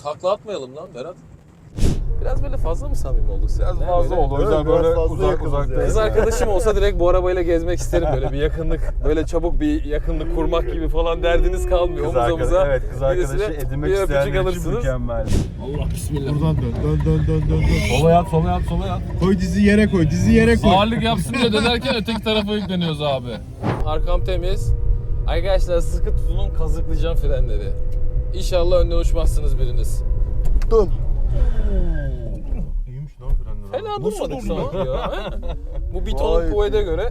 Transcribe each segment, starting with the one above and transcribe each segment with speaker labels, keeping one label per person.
Speaker 1: takla atmayalım lan Berat. Biraz böyle fazla mı samimi olduk sen?
Speaker 2: Biraz fazla oldu. O yüzden böyle uzakta.
Speaker 1: Kız arkadaşım olsa direkt bu arabayla gezmek isterim, böyle bir yakınlık, böyle çabuk bir yakınlık kurmak gibi falan derdiniz kalmıyor.
Speaker 2: Kız
Speaker 1: Omuz omuza.
Speaker 2: evet, kız arkadaşı
Speaker 1: Birisine
Speaker 2: edinmek
Speaker 1: bir öpücük
Speaker 2: isteyenler için
Speaker 1: alırsınız.
Speaker 2: mükemmel.
Speaker 1: Allah bismillah.
Speaker 3: Buradan dön.
Speaker 2: Sola yat, sola yat, sola yat.
Speaker 3: Koy dizi yere koy, dizi yere koy.
Speaker 4: Ağırlık yapsın diye dönerken öteki tarafa yükleniyoruz abi.
Speaker 1: Arkam temiz. Arkadaşlar sıkı tutunun, kazıklayacağım frenleri. İnşallah önden uçmazsınız biriniz.
Speaker 3: Tuttum.
Speaker 2: İyiymiş lan frenler.
Speaker 1: Fena
Speaker 2: Nasıl
Speaker 1: durmadık
Speaker 2: durdu
Speaker 1: sanki ya. He? Bu bitonun
Speaker 3: Vay
Speaker 1: kuvvete göre.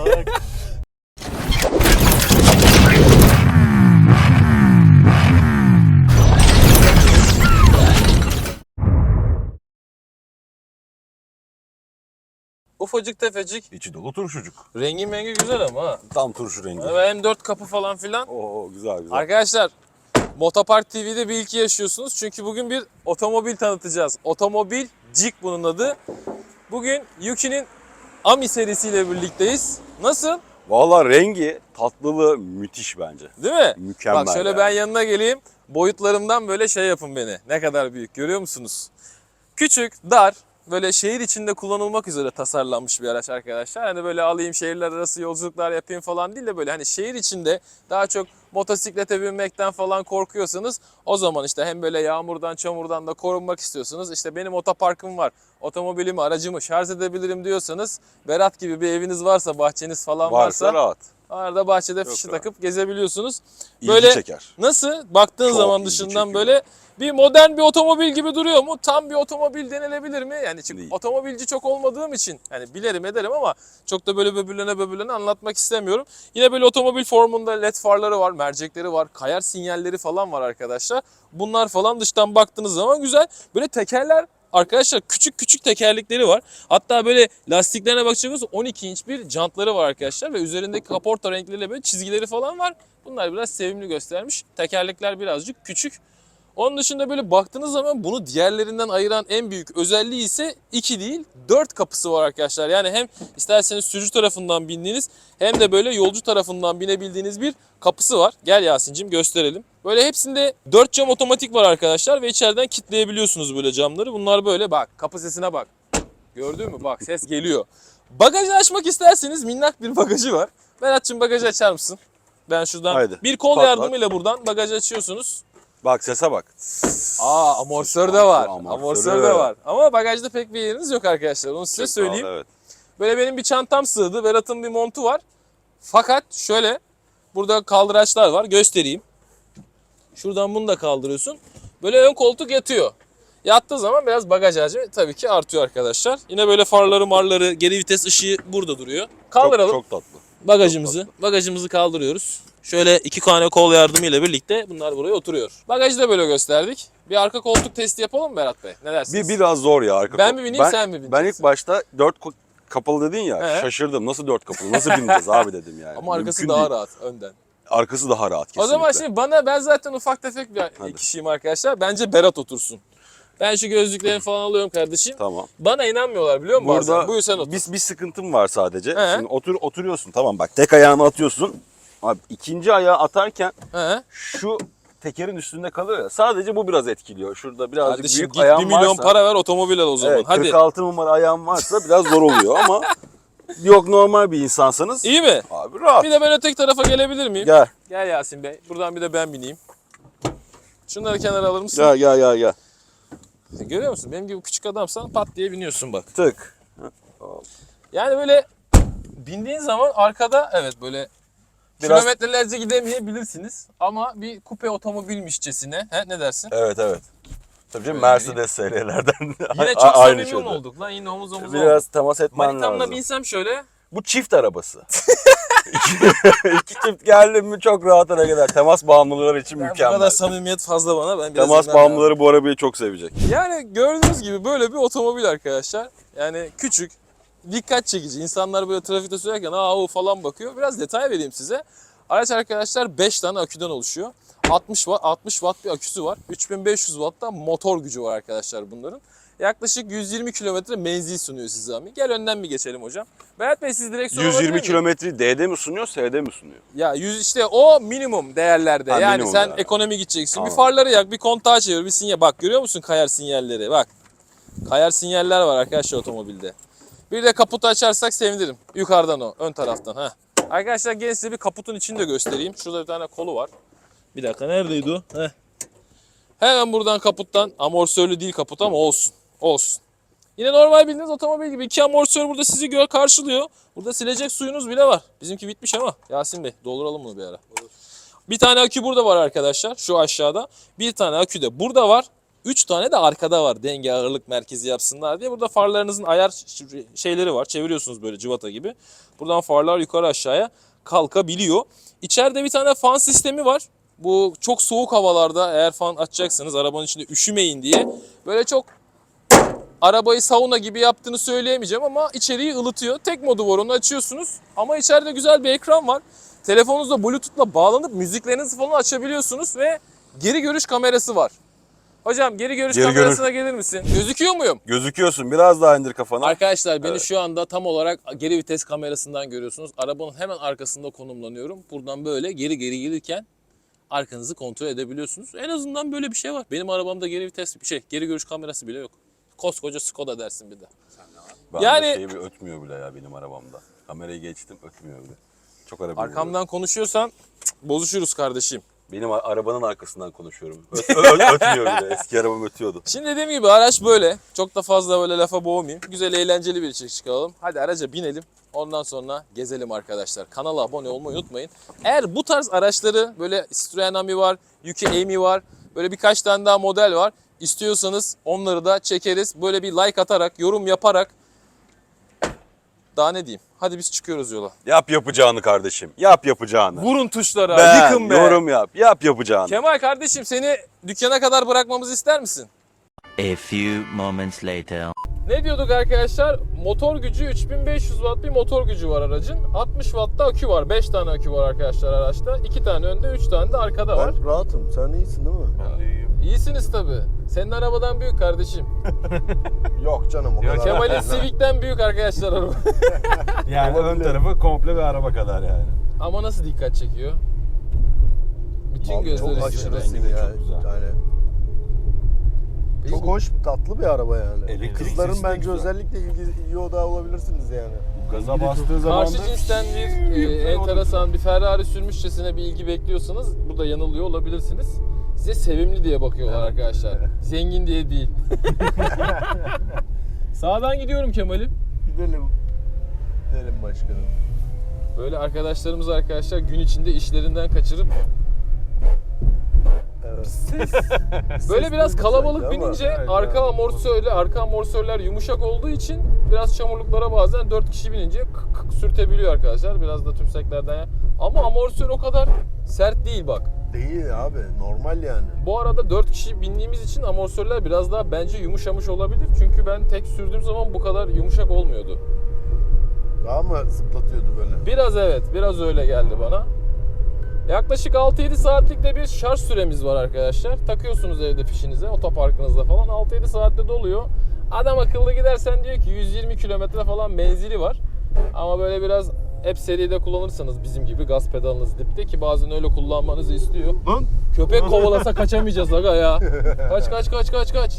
Speaker 1: Ufacık tefecik.
Speaker 2: İçi dolu turşucuk.
Speaker 1: Rengi mengi güzel ama ha.
Speaker 2: Tam turşu rengi.
Speaker 1: Ve hem 4 kapı falan filan.
Speaker 2: Oo güzel güzel.
Speaker 1: Arkadaşlar, Motopark TV'de bir ilki yaşıyorsunuz. Çünkü bugün bir otomobil tanıtacağız. Otomobil Jig bunun adı. Bugün Yuki'nin Ami serisiyle birlikteyiz. Nasıl?
Speaker 2: Valla rengi, tatlılığı müthiş bence.
Speaker 1: Değil mi?
Speaker 2: Mükemmel.
Speaker 1: Bak şöyle
Speaker 2: yani.
Speaker 1: ben yanına geleyim. Boyutlarımdan böyle şey yapın beni. Ne kadar büyük görüyor musunuz? Küçük, dar, böyle şehir içinde kullanılmak üzere tasarlanmış bir araç arkadaşlar. Hani böyle alayım şehirler arası yolculuklar yapayım falan değil de böyle hani şehir içinde daha çok motosiklete binmekten falan korkuyorsanız o zaman işte hem böyle yağmurdan çamurdan da korunmak istiyorsunuz. İşte benim otoparkım var, otomobilimi, aracımı şarj edebilirim diyorsanız, Berat gibi bir eviniz varsa, bahçeniz falan
Speaker 2: Varsa rahat.
Speaker 1: arada bahçede
Speaker 2: Çok
Speaker 1: fişi
Speaker 2: rahat.
Speaker 1: takıp gezebiliyorsunuz.
Speaker 2: İlgi
Speaker 1: Böyle
Speaker 2: çeker.
Speaker 1: nasıl? Baktığın
Speaker 2: Çok
Speaker 1: zaman
Speaker 2: ilgi
Speaker 1: dışından
Speaker 2: çekiyor.
Speaker 1: böyle bir modern bir otomobil gibi duruyor mu? Tam bir otomobil denilebilir mi? Yani çünkü
Speaker 2: Değil.
Speaker 1: otomobilci çok olmadığım için hani bilirim ederim ama çok da böyle böbürlene anlatmak istemiyorum. Yine böyle otomobil formunda led farları var, mercekleri var, kayar sinyalleri falan var arkadaşlar. Bunlar falan dıştan baktığınız zaman güzel. Böyle tekerler arkadaşlar, küçük tekerlekleri var. Hatta böyle lastiklerine bakacak olursanız 12 inç bir jantları var arkadaşlar ve üzerindeki kaporta renkleriyle böyle çizgileri falan var. Bunlar biraz sevimli göstermiş. Tekerlekler birazcık küçük. Onun dışında böyle baktığınız zaman bunu diğerlerinden ayıran en büyük özelliği ise 2 değil 4 kapısı var arkadaşlar. Yani hem isterseniz sürücü tarafından bindiğiniz hem de böyle yolcu tarafından binebildiğiniz bir kapısı var. Gel Yasin'cim gösterelim. Böyle hepsinde 4 cam otomatik var arkadaşlar ve içeriden kilitleyebiliyorsunuz böyle camları. Bunlar böyle bak, kapı sesine bak. Gördün mü? Bak ses geliyor. Bagajı açmak isterseniz minnak bir bagajı var. Berat'cığım bagajı açar mısın? Ben şuradan
Speaker 2: Haydi.
Speaker 1: bir kol
Speaker 2: Patlat.
Speaker 1: yardımıyla buradan bagajı açıyorsunuz.
Speaker 2: Bak sese bak.
Speaker 1: Amortisör de var.
Speaker 2: Amortisörü.
Speaker 1: Amortisör de var. Ama bagajda pek bir yeriniz yok arkadaşlar. Onu size söyleyeyim.
Speaker 2: Evet.
Speaker 1: Böyle benim bir çantam sığdı. Berat'ın bir montu var. Fakat şöyle burada kaldıraçlar var. Göstereyim. Şuradan bunu da kaldırıyorsun. Böyle ön koltuk yatıyor. Yattığı zaman biraz bagaj hacmi tabii ki artıyor arkadaşlar. Yine böyle farları marları, geri vites ışığı burada duruyor. Kaldıralım.
Speaker 2: Çok tatlı.
Speaker 1: Bagajımızı kaldırıyoruz. Şöyle 2 tane kol yardımıyla birlikte bunlar buraya oturuyor. Bagajı da böyle gösterdik. Bir arka koltuk testi yapalım mı Berat Bey? Ne dersiniz?
Speaker 2: Biraz zor ya arka
Speaker 1: Ben
Speaker 2: kol-
Speaker 1: mi bineyim, sen mi bineceksin?
Speaker 2: Ben ilk başta 4 kapalı dedin ya,
Speaker 1: He.
Speaker 2: şaşırdım. Nasıl 4 kapalı? Nasıl bineceğiz abi dedim yani.
Speaker 1: Ama arkası
Speaker 2: Mümkün
Speaker 1: daha
Speaker 2: değil.
Speaker 1: rahat önden.
Speaker 2: Arkası daha rahat kesinlikle.
Speaker 1: O zaman şimdi ben zaten ufak tefek bir
Speaker 2: Hadi.
Speaker 1: kişiyim arkadaşlar. Bence Berat otursun. Ben şu gözlüklerimi falan alıyorum kardeşim.
Speaker 2: Tamam.
Speaker 1: Bana inanmıyorlar biliyor musun bazen? Buyur sen otur.
Speaker 2: bir sıkıntım var sadece.
Speaker 1: He.
Speaker 2: Şimdi oturuyorsun tamam bak tek ayağını atıyorsun. Abi ikinci ayağı atarken
Speaker 1: He.
Speaker 2: şu tekerin üstünde kalıyor ya. Sadece bu biraz etkiliyor. Şurada birazcık
Speaker 1: Kardeşim
Speaker 2: büyük
Speaker 1: git
Speaker 2: ayağın
Speaker 1: 1 milyon
Speaker 2: varsa.
Speaker 1: para ver otomobil al o zaman.
Speaker 2: Evet,
Speaker 1: Hadi.
Speaker 2: 46 numara ayağın varsa biraz zor oluyor ama yok normal bir insansanız.
Speaker 1: İyi mi?
Speaker 2: Abi rahat.
Speaker 1: Bir de ben öteki tarafa gelebilir miyim?
Speaker 2: Gel.
Speaker 1: Gel Yasin Bey. Buradan bir de ben bineyim. Şunları kenara alır mısın?
Speaker 2: Gel.
Speaker 1: Görüyor musun? Benim gibi küçük adamsan pat diye biniyorsun bak.
Speaker 2: Tık.
Speaker 1: Yani böyle bindiğin zaman arkada evet böyle
Speaker 2: Biraz-
Speaker 1: kilometrelerce gidemeyebilirsiniz. Ama bir kupe otomobilmişçesine. He, ne dersin?
Speaker 2: Evet. Tabii canım
Speaker 1: Şöyle
Speaker 2: Mercedes SL'lerden.
Speaker 1: Yine çok
Speaker 2: Aynı
Speaker 1: samimi
Speaker 2: şeyde.
Speaker 1: olduk lan. Yine omuz omuza
Speaker 2: Biraz
Speaker 1: olduk.
Speaker 2: temas etmen
Speaker 1: Manitamla
Speaker 2: lazım.
Speaker 1: binsem şöyle.
Speaker 2: Bu çift arabası. İki çift geldi mi çok rahat hareket eder. Temas bağımlıları için
Speaker 1: Bu
Speaker 2: mükemmel.
Speaker 1: kadar samimiyet fazla bana. Ben biraz
Speaker 2: Temas
Speaker 1: dinlenmem lazım.
Speaker 2: bağımlıları bu arabayı çok sevecek.
Speaker 1: Yani gördüğünüz gibi böyle bir otomobil arkadaşlar. Yani küçük, dikkat çekici. İnsanlar böyle trafikte sürerken o falan bakıyor. Biraz detay vereyim size. Araç arkadaşlar 5 tane aküden oluşuyor. 60 watt bir aküsü var. 3500 watt da motor gücü var arkadaşlar bunların. Yaklaşık 120 kilometre menzil sunuyor size Ami. Gel önden bir geçelim hocam. Berat Bey siz direksiyon
Speaker 2: 120 kilometreyi D'de mi sunuyor, S'de mi sunuyor?
Speaker 1: Ya 100 işte o minimum değerlerde.
Speaker 2: Ha,
Speaker 1: yani
Speaker 2: minimum
Speaker 1: sen
Speaker 2: değer.
Speaker 1: ekonomi gideceksin.
Speaker 2: Tamam.
Speaker 1: Bir farları yak, bir kontağı çevir, bir sinyal. Bak görüyor musun kayar sinyalleri? Bak. Kayar sinyaller var arkadaşlar otomobilde. Bir de kaputu açarsak sevinirim. Yukarıdan o, ön taraftan. Heh. Arkadaşlar gelin size bir kaputun içini de göstereyim. Şurada bir tane kolu var. Bir dakika neredeydi o? Heh. Hemen buradan kaputtan, amortisörlü değil kaput ama olsun. Olsun. Yine normal bildiğiniz otomobil gibi 2 amortisör burada sizi karşılıyor. Burada silecek suyunuz bile var. Bizimki bitmiş ama Yasin Bey dolduralım bunu bir ara. Bir tane akü burada var arkadaşlar şu aşağıda. Bir tane akü de burada var. 3 tane de arkada var denge ağırlık merkezi yapsınlar diye. Burada farlarınızın ayar şeyleri var. Çeviriyorsunuz böyle cıvata gibi. Buradan farlar yukarı aşağıya kalkabiliyor. İçeride bir tane fan sistemi var. Bu çok soğuk havalarda eğer fan açacaksınız arabanın içinde üşümeyin diye. Böyle çok arabayı sauna gibi yaptığını söyleyemeyeceğim ama içeriği ılıtıyor. Tek modu var, onu açıyorsunuz. Ama içeride güzel bir ekran var. Telefonunuzla Bluetooth'la bağlanıp müziklerinizi falan açabiliyorsunuz ve geri görüş kamerası var. Hocam geri görüş kamerasına gelir misin? Gözüküyor muyum?
Speaker 2: Gözüküyorsun. Biraz daha indir kafanı.
Speaker 1: Arkadaşlar beni şu anda tam olarak geri vites kamerasından görüyorsunuz. Arabanın hemen arkasında konumlanıyorum. Buradan böyle geri gelirken arkanızı kontrol edebiliyorsunuz. En azından böyle bir şey var. Benim arabamda geri vites geri görüş kamerası bile yok. Koskoca Skoda dersin bir de.
Speaker 2: Ben
Speaker 1: yani-
Speaker 2: de şey bir ötmüyor bile ya benim arabamda. Kamerayı geçtim ötmüyor bile. Çok araba.
Speaker 1: Arkamdan konuşuyorsan bozuşuruz kardeşim.
Speaker 2: Benim arabanın arkasından konuşuyorum. Ötmüyor bile. Eski arabam ötüyordu.
Speaker 1: Şimdi dediğim gibi araç böyle. Çok da fazla böyle lafa boğmayayım. Güzel eğlenceli bir içerik çıkaralım. Hadi araca binelim. Ondan sonra gezelim arkadaşlar. Kanala abone olmayı unutmayın. Eğer bu tarz araçları böyle Citroen Ami var, Yuki Ami var. Böyle birkaç tane daha model var. İstiyorsanız onları da çekeriz. Böyle bir like atarak, yorum yaparak. Daha ne diyeyim? Hadi biz çıkıyoruz yola.
Speaker 2: Yap yapacağını kardeşim. Yap yapacağını.
Speaker 1: Vurun tuşlara,
Speaker 2: Ben,
Speaker 1: yıkın be.
Speaker 2: yorum yap. Yap yapacağını.
Speaker 1: Kemal kardeşim seni dükkana kadar bırakmamızı ister misin?
Speaker 5: A few moments later.
Speaker 1: Ne diyorduk arkadaşlar? Motor gücü 3500 watt bir motor gücü var aracın. 60 watt da akü var. 5 tane akü var arkadaşlar araçta. 2 tane önde, 3 tane de arkada var.
Speaker 3: Ben rahatım. Sen iyisin değil mi?
Speaker 2: Ben de iyiyim.
Speaker 1: İyisiniz tabii. Senin arabadan büyük kardeşim.
Speaker 3: Yok canım o kadar.
Speaker 1: Kemal'in Civic'ten büyük arkadaşlar araba.
Speaker 2: Yani ön tarafı komple bir araba kadar yani.
Speaker 1: Ama nasıl dikkat çekiyor? Bütün
Speaker 3: Abi
Speaker 1: gözler
Speaker 3: çok
Speaker 1: üstünde.
Speaker 3: aşırısın
Speaker 2: Rengi de
Speaker 3: ya.
Speaker 2: çok güzel.
Speaker 3: Yani çok hoş, tatlı bir araba yani.
Speaker 2: Elektrik
Speaker 3: Kızların
Speaker 2: sesi de
Speaker 3: bence
Speaker 2: güzel.
Speaker 3: özellikle ilgi odağı olabilirsiniz yani.
Speaker 2: Gaza bastığı zaman
Speaker 1: Karşı cinsten bir enteresan bir Ferrari sürmüşçesine bir ilgi bekliyorsanız burada yanılıyor olabilirsiniz. Size sevimli diye bakıyorlar arkadaşlar. Zengin diye değil. Sağdan gidiyorum Kemal'im.
Speaker 3: Gidelim. Gidelim başkanım.
Speaker 1: Böyle arkadaşlarımız arkadaşlar gün içinde işlerinden kaçırıp
Speaker 3: Evet.
Speaker 1: böyle biraz
Speaker 3: duydum
Speaker 1: kalabalık
Speaker 3: sanki ama.
Speaker 1: binince arka amortisörler yumuşak olduğu için biraz çamurluklara bazen 4 kişi binince kık kık sürtebiliyor arkadaşlar. Biraz da tümseklerden ya. Ama amortisör o kadar sert değil bak.
Speaker 3: Değil abi. Normal yani.
Speaker 1: Bu arada 4 kişi bindiğimiz için amortisörler biraz daha bence yumuşamış olabilir. Çünkü ben tek sürdüğüm zaman bu kadar yumuşak olmuyordu.
Speaker 3: Daha mı zıplatıyordu böyle?
Speaker 1: Biraz evet, biraz öyle geldi bana. Yaklaşık 6-7 saatlik de bir şarj süremiz var arkadaşlar. Takıyorsunuz evde fişinize, otoparkınızda falan. 6-7 saatte doluyor. Adam akıllı gidersen diyor ki 120 kilometre falan menzili var. Ama böyle biraz hep seride kullanırsanız bizim gibi gaz pedalınız dipte ki bazen öyle kullanmanızı istiyor.
Speaker 3: Lan!
Speaker 1: Köpek kovalasa kaçamayacağız aga ya. Kaç.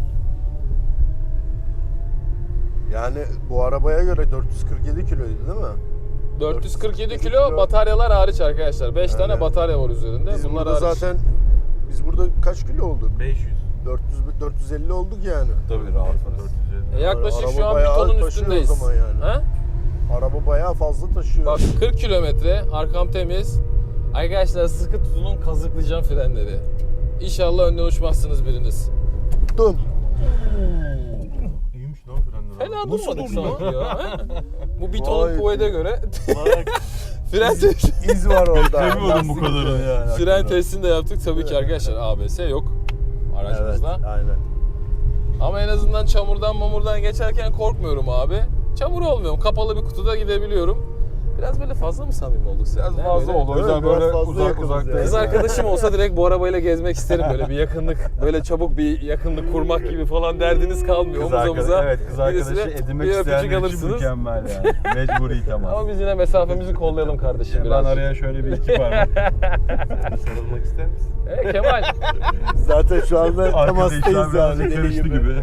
Speaker 3: Yani bu arabaya göre 447 kiloydu değil mi?
Speaker 1: 447 kilo bataryalar hariç arkadaşlar. 5 tane batarya var üzerinde.
Speaker 3: Biz
Speaker 1: Bunlar
Speaker 3: burada
Speaker 1: hariç.
Speaker 3: zaten biz burada kaç kilo olduk?
Speaker 2: 500.
Speaker 3: 450 olduk yani.
Speaker 2: Tabii rahat parası.
Speaker 1: Yaklaşık
Speaker 3: Araba
Speaker 1: şu an bir
Speaker 3: bayağı
Speaker 1: tonun
Speaker 3: taşıyor
Speaker 1: üstündeyiz.
Speaker 3: o zaman yani.
Speaker 1: Ha?
Speaker 3: Araba bayağı fazla taşıyor.
Speaker 1: Bak 40 kilometre, arkam temiz. Arkadaşlar sıkı tutunun, kazıklayacağım frenleri. İnşallah önden uçmazsınız biriniz.
Speaker 3: Tuttum.
Speaker 2: İyiymiş lan frenler.
Speaker 1: Fena
Speaker 3: Nasıl
Speaker 1: durmadık
Speaker 3: durdu
Speaker 1: sanki ya. ha? Bu bir
Speaker 3: Vay
Speaker 1: tonun kuvvete göre fren
Speaker 3: İz var orada.
Speaker 2: Bilmiyordum bu kadarını yani.
Speaker 1: fren testini de yaptık. Tabii ki arkadaşlar ABS yok
Speaker 3: Evet,
Speaker 1: aracımızda.
Speaker 3: aynen.
Speaker 1: Ama en azından çamurdan geçerken korkmuyorum abi. Çamur olmuyorum. Kapalı bir kutuda gidebiliyorum. Biraz böyle fazla mı samimi olduk seninle?
Speaker 2: Biraz fazla
Speaker 1: Böyle-
Speaker 2: oldu. O yüzden
Speaker 3: Evet, biraz
Speaker 2: böyle
Speaker 3: fazla yakınız
Speaker 2: uzakta.
Speaker 3: yani.
Speaker 1: Kız arkadaşım olsa direkt bu arabayla gezmek isterim, böyle bir yakınlık, böyle çabuk bir yakınlık kurmak gibi falan derdiniz kalmıyor.
Speaker 2: Kız
Speaker 1: Omuz omuza
Speaker 2: arkadaşı, evet, kız arkadaşı
Speaker 1: birisine
Speaker 2: edinmek
Speaker 1: bir öpücük
Speaker 2: isteyenler için
Speaker 1: alırsınız.
Speaker 2: mükemmel yani. Mecburi temas.
Speaker 1: Ama biz yine mesafemizi kollayalım kardeşim
Speaker 2: Ben
Speaker 1: biraz.
Speaker 2: araya şöyle bir iki parmak.
Speaker 3: Sarılmak ister misin?
Speaker 1: Kemal.
Speaker 3: Zaten şu anda
Speaker 2: Arkada
Speaker 3: temastayız
Speaker 2: işler biraz
Speaker 3: yani.
Speaker 2: karıştı
Speaker 3: deli
Speaker 2: gibi.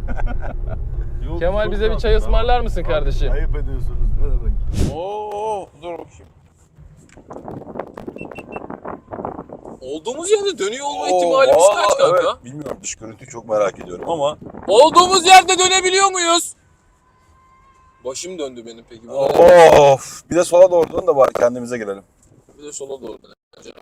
Speaker 1: Kemal bize bir çay ısmarlar mısın kardeşim?
Speaker 3: Ayıp ediyorsunuz. Ne demek?
Speaker 2: Oo, dur bakayım.
Speaker 1: Olduğumuz yerde dönüyor olma ihtimalimiz kaç kanka?
Speaker 2: Evet, bilmiyorum, dış görüntüyü çok merak ediyorum ama.
Speaker 1: Olduğumuz yerde dönebiliyor muyuz? Başım döndü benim peki. Bu
Speaker 2: Of, bir de sola doğru dön de bari kendimize gelelim.
Speaker 1: Bir de sola doğru dönelim.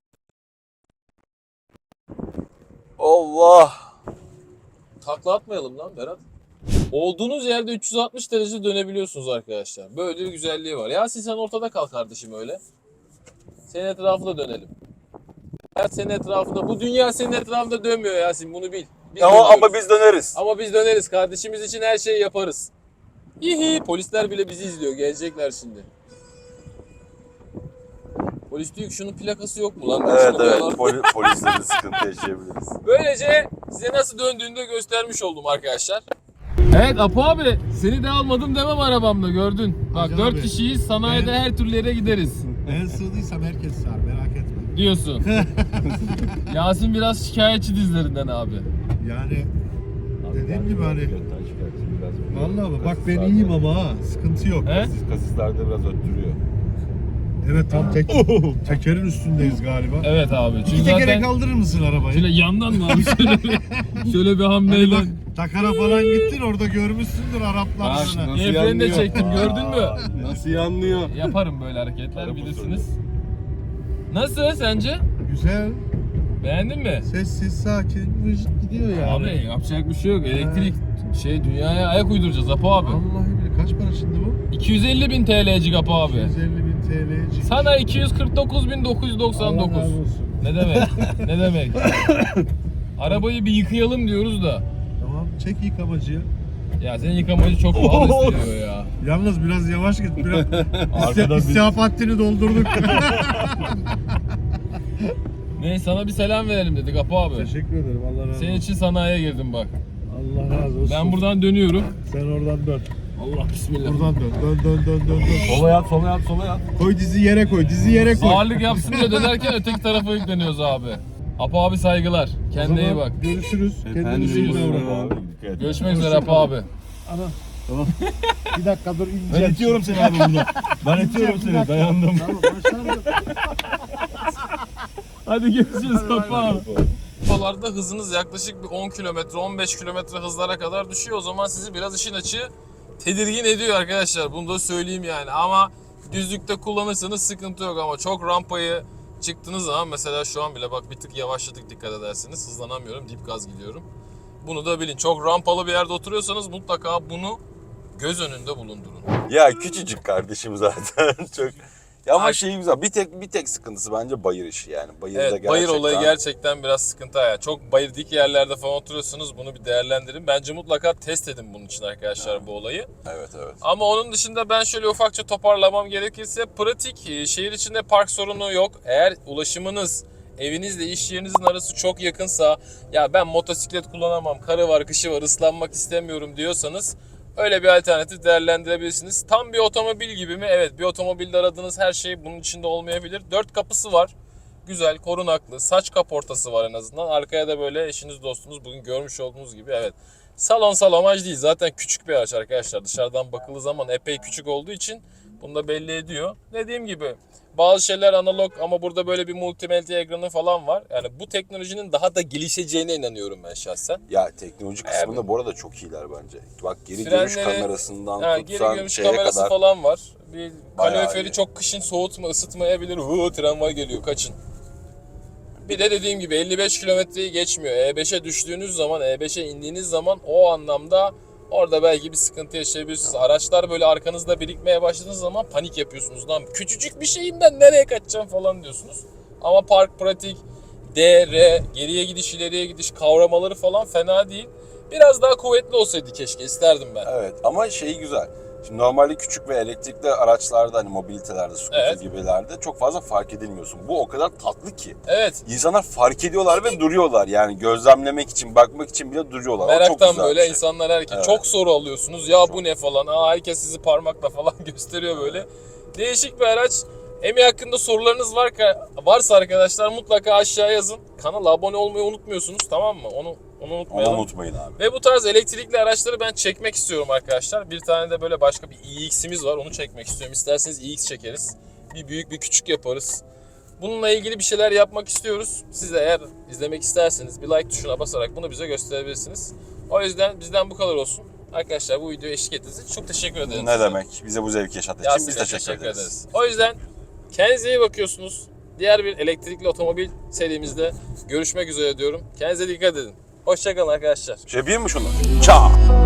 Speaker 2: Allah.
Speaker 1: Takla atmayalım lan Berat. Olduğunuz yerde 360 derece dönebiliyorsunuz arkadaşlar. Böyle bir güzelliği var. Yasin sen ortada kal kardeşim öyle. Senin etrafında dönelim. Hayat senin etrafında. Bu dünya senin etrafında dönmüyor Yasin, bunu bil. Biz dönüyoruz.
Speaker 2: Ama biz döneriz.
Speaker 1: Ama biz döneriz. Kardeşimiz için her şeyi yaparız. Hihi. Polisler bile bizi izliyor. Gelecekler şimdi. Polis diyor ki şunun plakası yok mu lan?
Speaker 2: Evet
Speaker 1: Şunu
Speaker 2: evet,
Speaker 1: diyorlar.
Speaker 2: polisle de sıkıntı yaşayabiliriz.
Speaker 1: Böylece size nasıl döndüğünü de göstermiş oldum arkadaşlar. Evet Apo abi, seni de almadım demem arabamda, gördün. Bak
Speaker 6: Hacı
Speaker 1: 4
Speaker 6: abi,
Speaker 1: kişiyiz, sanayide her türlü yere gideriz
Speaker 6: Ben sığdıysam herkes sığar, merak etme.
Speaker 1: diyorsun. Yasin biraz şikayetçi dizlerinden abi.
Speaker 6: Yani dediğim gibi hani vallahi bak ben iyiyim ama ha, sıkıntı yok.
Speaker 1: He?
Speaker 2: Kasislerde biraz öttürüyor.
Speaker 6: Evet tam tekerin üstündeyiz galiba.
Speaker 1: Evet abi.
Speaker 6: İki
Speaker 1: Çünkü
Speaker 6: tekere
Speaker 1: zaten
Speaker 6: kaldırır mısın arabayı?
Speaker 1: şöyle yandan mı abi şöyle bir
Speaker 6: Hani
Speaker 1: hamleyle.
Speaker 6: bak Takar'a falan gittin orada görmüşsündür Araplarını.
Speaker 1: El freni de çektim, gördün mü?
Speaker 2: Nasıl yanlıyor?
Speaker 1: Yaparım böyle hareketler, bilirsiniz. Nasıl sence?
Speaker 6: Güzel,
Speaker 1: Beğendin mi?
Speaker 6: sessiz, sakin, vıcık gidiyor yani.
Speaker 1: Abi yapacak bir şey yok. Elektrik dünyaya ayak uyduracağız Apo abi.
Speaker 6: Vallahi billahi kaç para şimdi bu?
Speaker 1: 250.000 TL'cik Apo abi.
Speaker 6: 150.000 TL.
Speaker 1: Sana
Speaker 6: Allah
Speaker 1: 249.999.
Speaker 6: razı olsun.
Speaker 1: Ne demek? Ne demek? Arabayı bir yıkayalım diyoruz da.
Speaker 6: Tamam çek yıkamacıya.
Speaker 1: Ya senin yıkamacı çok pahalı istiyor ya.
Speaker 6: Yalnız biraz yavaş git. Biraz
Speaker 2: Arkadan bir-
Speaker 6: istihap hattini doldurduk.
Speaker 1: Neyse sana bir selam verelim dedik Apo abi.
Speaker 6: Teşekkür ederim. Allah razı olsun.
Speaker 1: Senin için sanayiye girdim bak.
Speaker 6: Allah razı olsun.
Speaker 1: Ben buradan dönüyorum.
Speaker 6: Sen oradan dön.
Speaker 1: Allah bismillah.
Speaker 6: Buradan dön.
Speaker 2: Sola yat, sola yat, sola yat.
Speaker 6: Koy dizi yere koy. Dizi yere koy.
Speaker 1: Ağırlık yapsın diye dönerken öteki tarafa yükleniyoruz abi. Apo abi saygılar.
Speaker 6: O
Speaker 1: Kendine iyi
Speaker 6: zaman
Speaker 1: bak.
Speaker 6: Görüşürüz. Kendinize iyi davranın.
Speaker 1: Görüşmek üzere Apo abi.
Speaker 6: Bir dakika dur ineceğim.
Speaker 2: Ben itiyorum seni abi burada. Ben itiyorum seni, dayandım.
Speaker 6: Tamam başlarım.
Speaker 1: Hadi görüşürüz Apo abi. Arabalarda hızınız yaklaşık bir 10 kilometre, 15 kilometre hızlara kadar düşüyor. O zaman sizi biraz işin açığı tedirgin ediyor arkadaşlar. Bunu da söyleyeyim yani. Ama düzlükte kullanırsanız sıkıntı yok, ama çok rampayı çıktığınız zaman, mesela şu an bile bak bir tık yavaşladık, dikkat ederseniz. Hızlanamıyorum, dip gaz gidiyorum. Bunu da bilin. Çok rampalı bir yerde oturuyorsanız mutlaka bunu göz önünde bulundurun.
Speaker 2: Ya küçücük kardeşim zaten çok. Ya ama
Speaker 1: Ay-
Speaker 2: şey güzel. Bir tek sıkıntısı bence bayır işi yani. Bayırda
Speaker 1: Evet,
Speaker 2: gerçekten.
Speaker 1: bayır olayı gerçekten biraz sıkıntı ya. Çok bayır dik yerlerde falan oturuyorsunuz, bunu bir değerlendirin. Bence mutlaka test edin bunun için arkadaşlar bu olayı.
Speaker 2: Evet evet.
Speaker 1: Ama onun dışında ben şöyle ufakça toparlamam gerekirse, pratik, şehir içinde park sorunu yok. Eğer ulaşımınız evinizle iş yerinizin arası çok yakınsa, ya ben motosiklet kullanamam, karı var, kışı var, ıslanmak istemiyorum diyorsanız öyle bir alternatif değerlendirebilirsiniz. Tam bir otomobil gibi mi? Evet, bir otomobilde aradığınız her şey bunun içinde olmayabilir. 4 kapısı var. Güzel, korunaklı. Saç kaportası var en azından. Arkaya da böyle eşiniz, dostunuz bugün görmüş olduğunuz gibi, evet. Salon salomaj değil. Zaten küçük bir araç arkadaşlar. Dışarıdan bakıldığı zaman epey küçük olduğu için bunu da belli ediyor. Dediğim gibi bazı şeyler analog, ama burada böyle bir multimedya ekranı falan var. Yani bu teknolojinin daha da gelişeceğine inanıyorum ben şahsen.
Speaker 2: Ya teknoloji kısmında bu arada çok iyiler bence. Bak geri
Speaker 1: Frenleri-
Speaker 2: görüş kamerasından
Speaker 1: Ha, geri
Speaker 2: tutsan
Speaker 1: görüş
Speaker 2: şeye
Speaker 1: kamerası
Speaker 2: kadar.
Speaker 1: falan var. Bir
Speaker 2: Bayağı
Speaker 1: kaloriferi
Speaker 2: iyi.
Speaker 1: çok kışın ısıtmayabilir. Tramvay geliyor, kaçın. Bir de dediğim gibi 55 kilometreyi geçmiyor. E5'e düştüğünüz zaman, E5'e indiğiniz zaman o anlamda orada belki bir sıkıntı yaşayabilirsiniz. Araçlar böyle arkanızda birikmeye başladığınız zaman panik yapıyorsunuz. Lan küçücük bir şeyim ben, nereye kaçacağım falan diyorsunuz. Ama park pratik, D, R, geriye gidiş, ileriye gidiş kavramaları falan fena değil. Biraz daha kuvvetli olsaydı keşke, isterdim ben.
Speaker 2: Evet ama şey güzel. Şimdi normalde küçük ve elektrikli araçlarda hani mobilitelerde, scooter
Speaker 1: Evet.
Speaker 2: gibilerde çok fazla fark edilmiyorsun. Bu o kadar tatlı ki.
Speaker 1: Evet.
Speaker 2: İnsanlar fark ediyorlar ve duruyorlar. Yani gözlemlemek için, bakmak için bile duruyorlar. O çok
Speaker 1: Meraktan
Speaker 2: güzel
Speaker 1: böyle
Speaker 2: bir şey.
Speaker 1: insanlar herkes
Speaker 2: Evet.
Speaker 1: çok soru alıyorsunuz. Ya bu ne falan. Herkes sizi parmakla falan gösteriyor böyle. Değişik bir araç. Emi hakkında sorularınız varsa arkadaşlar mutlaka aşağıya yazın. Kanala abone olmayı unutmuyorsunuz, tamam mı? Onu
Speaker 2: Onu
Speaker 1: unutmayalım.
Speaker 2: unutmayın abi.
Speaker 1: Ve bu tarz elektrikli araçları ben çekmek istiyorum arkadaşlar. Bir tane de böyle başka bir iX'imiz var. Onu çekmek istiyorum. İsterseniz iX çekeriz. Bir büyük bir küçük yaparız. Bununla ilgili bir şeyler yapmak istiyoruz. Siz de eğer izlemek isterseniz bir like tuşuna basarak bunu bize gösterebilirsiniz. O yüzden bizden bu kadar olsun. Arkadaşlar bu videoya eşlik ettiğiniz için çok teşekkür ederiz.
Speaker 2: Ne demek? Bize bu zevki yaşattığı için biz teşekkür ederiz.
Speaker 1: O yüzden kendinize iyi bakıyorsunuz. Diğer bir elektrikli otomobil serimizde görüşmek üzere diyorum. Kendinize dikkat edin. Hoşçakalın arkadaşlar.
Speaker 2: Şey yapayım mı şunu? Çağ!